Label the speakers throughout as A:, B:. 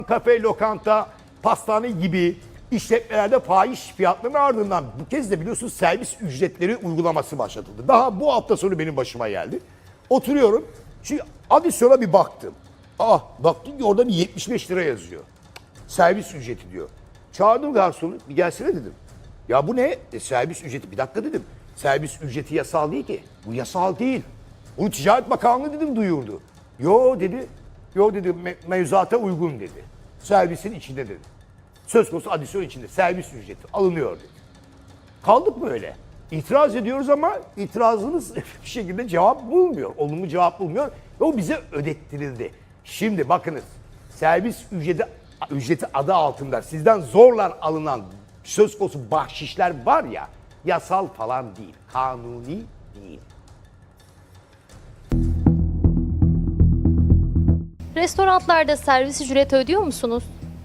A: Kafe, lokanta, pastane gibi işletmelerde fahiş fiyatların ardından bu kez de biliyorsunuz servis ücretleri uygulaması başlatıldı. Daha bu hafta sonu benim başıma geldi. Oturuyorum. Şimdi adisyona bir baktım. Baktım ki orada bir 75 lira yazıyor. Servis ücreti diyor. Çağırdım garsonu, bir gelsene dedim. Ya bu ne? Servis ücreti. Bir dakika dedim. Servis ücreti yasal değil ki. Bu yasal değil. Bunu Ticaret Bakanlığı dedim duyurdu. Yo dedi. Yo dedi mevzuata uygun dedi. Servisin içinde dedi. Söz konusu adisyon içinde servis ücreti alınıyor dedi. Kaldık mı öyle? İtiraz ediyoruz ama itirazımız bir şekilde cevap bulmuyor. Olumlu cevap bulmuyor. Ve o bize ödettirildi. Şimdi bakınız servis ücreti adı altında sizden zorla alınan söz konusu bahşişler var ya, yasal falan değil, kanuni değil.
B: Restoranlarda servis ücreti ödüyor musunuz?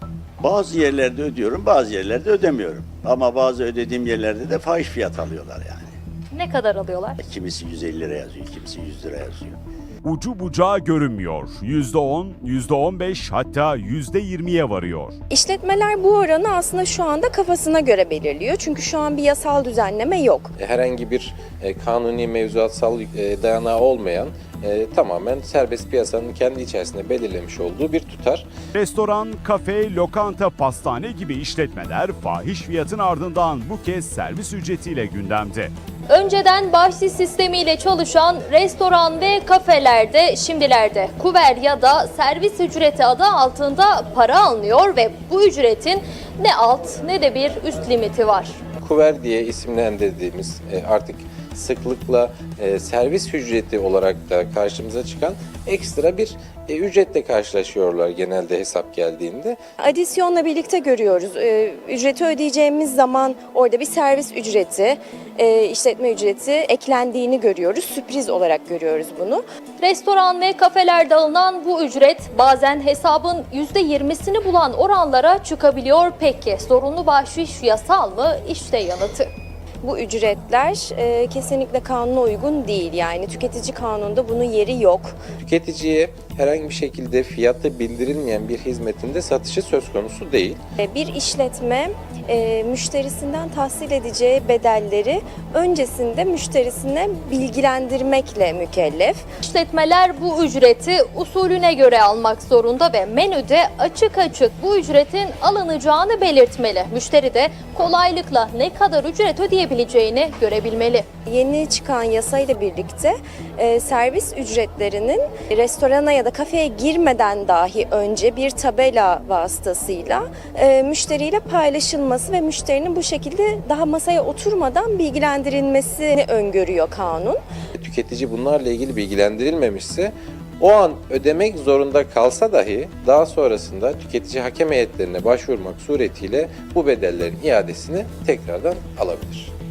C: Bazı yerlerde ödüyorum, bazı yerlerde ödemiyorum. Ama bazı ödediğim yerlerde de fahiş fiyat alıyorlar yani.
B: Ne kadar alıyorlar?
C: Kimisi 150 lira yazıyor, kimisi 100 lira yazıyor.
D: Ucu bucağı görünmüyor. %10, %15 hatta %20'ye varıyor.
E: İşletmeler bu oranı aslında şu anda kafasına göre belirliyor. Çünkü şu an bir yasal düzenleme yok.
F: Herhangi bir kanuni mevzuatsal dayanağı olmayan tamamen serbest piyasanın kendi içerisinde belirlemiş olduğu bir tutar.
D: Restoran, kafe, lokanta, pastane gibi işletmeler fahiş fiyatın ardından bu kez servis ücretiyle gündemde.
B: Önceden bahşiş sistemiyle çalışan restoran ve kafelerde şimdilerde kuver ya da servis ücreti adı altında para alınıyor ve bu ücretin ne alt ne de bir üst limiti var.
F: Kuver diye isimlendirdiğimiz artık sıklıkla servis ücreti olarak da karşımıza çıkan ekstra bir ücretle karşılaşıyorlar genelde hesap geldiğinde.
E: Adisyonla birlikte görüyoruz. Ücreti ödeyeceğimiz zaman orada bir servis ücreti, işletme ücreti eklendiğini görüyoruz. Sürpriz olarak görüyoruz bunu.
B: Restoran ve kafelerde alınan bu ücret bazen hesabın %20'sini bulan oranlara çıkabiliyor. Peki zorunlu bahşiş yasal mı? İşte yanıtı.
E: Bu ücretler kesinlikle kanuna uygun değil. Yani tüketici kanununda bunun yeri yok.
F: Tüketiciye herhangi bir şekilde fiyatı bildirilmeyen bir hizmetinde satışı söz konusu değil.
E: Bir işletme müşterisinden tahsil edeceği bedelleri öncesinde müşterisine bilgilendirmekle mükellef.
B: İşletmeler bu ücreti usulüne göre almak zorunda ve menüde açık açık bu ücretin alınacağını belirtmeli. Müşteri de kolaylıkla ne kadar ücret ödeyebileceğini görebilmeli.
E: Yeni çıkan yasayla birlikte servis ücretlerinin restorana ya da kafeye girmeden dahi önce bir tabela vasıtasıyla müşteriyle paylaşılması ve müşterinin bu şekilde daha masaya oturmadan bilgilendirilmesini öngörüyor kanun.
F: Tüketici bunlarla ilgili bilgilendirilmemişse o an ödemek zorunda kalsa dahi daha sonrasında tüketici hakem heyetlerine başvurmak suretiyle bu bedellerin iadesini tekrardan alabilir.